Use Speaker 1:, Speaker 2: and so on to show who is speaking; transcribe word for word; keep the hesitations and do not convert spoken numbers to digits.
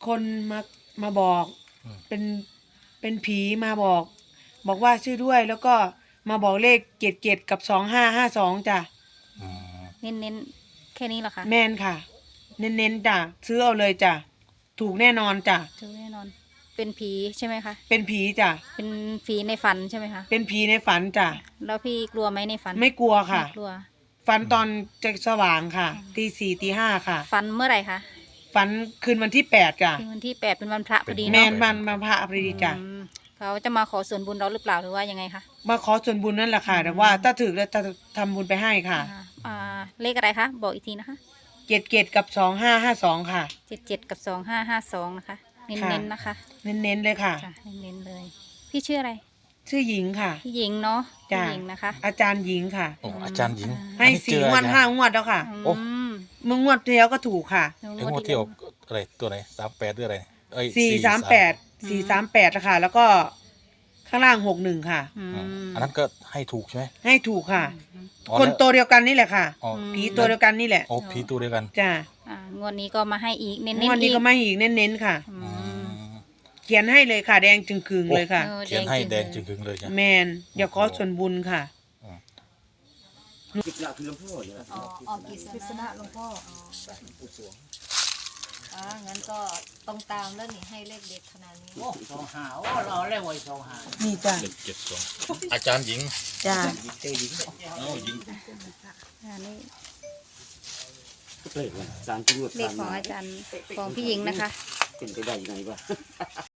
Speaker 1: คนมามาบอกเป็นเป็นผีมาบอก บอกว่าชื่อด้วยแล้วก็มาบอกเลขเจ็ดเจ็ดกับสองห้าห้าสองจ้ะ
Speaker 2: เน้นเน้นแค่นี้เหรอคะ
Speaker 1: แม่นค่ะ เน้นๆจ้ะซื้อเอาเลยจ้ะถูกแน่นอนจ้ะ
Speaker 2: ถูกแน่นอน เป็นผีใช่ไหมคะ
Speaker 1: เป็นผีจ้ะ
Speaker 2: เป็นผีในฝันใช่ไหมคะ
Speaker 1: เป็นผีในฝันจ้ะ
Speaker 2: แล้วพี่กลัวไหมในฝัน
Speaker 1: ไม่กลัวค่ะ
Speaker 2: ไม่กลัว
Speaker 1: ฝันตอนจะสว่างค่ะตีสี่ตีห้าค่ะ
Speaker 2: ฝันเมื่อไหร่คะ
Speaker 1: ฝันคืนวันที่แปดจ้ะ
Speaker 2: คือวันที่แปดเป็นวันพระพอดี
Speaker 1: แม่
Speaker 2: เนาะ
Speaker 1: นวันมาพระอภิดีจ้ะ
Speaker 2: อืมเขาจะมาขอส่วนบุญเราหรือเปล่าหรือว่ายังไงคะ
Speaker 1: มาขอส่วนบุญนั่นแหละค่ะ แต่ว่าถ้าถึกแล้วจะทำบุญไปให้ค่ะ
Speaker 2: อ่าอ่าเลขอะไรคะบอกอีกทีนะคะ
Speaker 1: เจ็ดเจ็ดกับสองห้าห้าสองค่ะ
Speaker 2: เจ็ดเจ็ดกับสองห้าห้าสองนะคะเน้น
Speaker 1: ค่ะ
Speaker 2: เน้นนะคะ
Speaker 1: เน้นๆเลยค่ะ
Speaker 2: จ้ะเน้นเน้นเลย พี่ชื่ออะไร
Speaker 1: ชื่อหญิงค่ะ
Speaker 2: พี่หญิงเนาะ
Speaker 1: จ้ะ
Speaker 2: พี่หญิงนะคะ
Speaker 1: อาจารย์หญิงค่ะ
Speaker 3: โอ้อาจารย์หญิง
Speaker 1: ให้
Speaker 3: อันนี้
Speaker 1: สี่
Speaker 3: เจอง
Speaker 1: วด
Speaker 3: อะไร
Speaker 1: ห้างวดแล้วค่ะ
Speaker 3: โอ้
Speaker 2: อืม
Speaker 1: มึงงวดที่แล้วก็ถูกค่ะ
Speaker 3: ไอ้งวดที่ออกอะไรตัวไหนสามแปดหรืออะไรเอ้ย
Speaker 1: สี่สามแปดสี่สามแปดนะคะแล้วก็ข้างล่างหกหนึ่งค่ะ
Speaker 2: อื
Speaker 3: อ่า
Speaker 2: ม
Speaker 3: อันนั้นก็ให้ถูกใช่ไหม
Speaker 1: ให้ถูกค่ะ
Speaker 3: อ๋อ
Speaker 1: คน
Speaker 3: แล้ว
Speaker 1: ตัวเดียวกันนี่แหละค่ะ
Speaker 3: อ๋อ
Speaker 1: ผีตัวเดียวกันนี่แหละ
Speaker 3: โอ้ผีตัวเดียวกัน
Speaker 1: จ้ะ
Speaker 2: อ่างวดนี้ก็มาให้อีกเน้น
Speaker 1: ง
Speaker 2: เน้น
Speaker 1: วดนี้
Speaker 2: อีก
Speaker 1: ก็ไม่อีกเน้นๆค่ะ
Speaker 2: อื
Speaker 3: อื
Speaker 2: ม
Speaker 3: ม
Speaker 1: เขียนให้เลยค่ะ แดงจึงคืงเลยค่ะ
Speaker 2: เออ
Speaker 3: เขียนให้แด
Speaker 2: แด
Speaker 3: ง
Speaker 2: ง
Speaker 3: จึ
Speaker 2: จึ
Speaker 3: ง
Speaker 2: ง
Speaker 3: ๆเลยจ้ะ
Speaker 1: แมนอย่าขอส่วนบุญค่ะ
Speaker 4: จิกละคือหลวงพ่อเนี่ย
Speaker 2: อ๋อออกกิษณะหลวงพ่ออ๋องั้นก็ต้องตามแล้วนี่ให้เลขเด็ดขนาดนี้
Speaker 4: โอ้สองหาโอ้เราเรียกว่าสองหา
Speaker 1: นี่จ้ะ
Speaker 3: หนึ่งเจ็ดสองอาจารย์หญิง
Speaker 1: จ้ะ
Speaker 4: เจหญิง
Speaker 3: เอ้าหญิง
Speaker 2: อันนี้
Speaker 4: เลขว่าสารที่รวด
Speaker 2: เลขของอาจารย์ของพี่หญิงนะคะ
Speaker 4: เป็นไปได้ยังไงวะ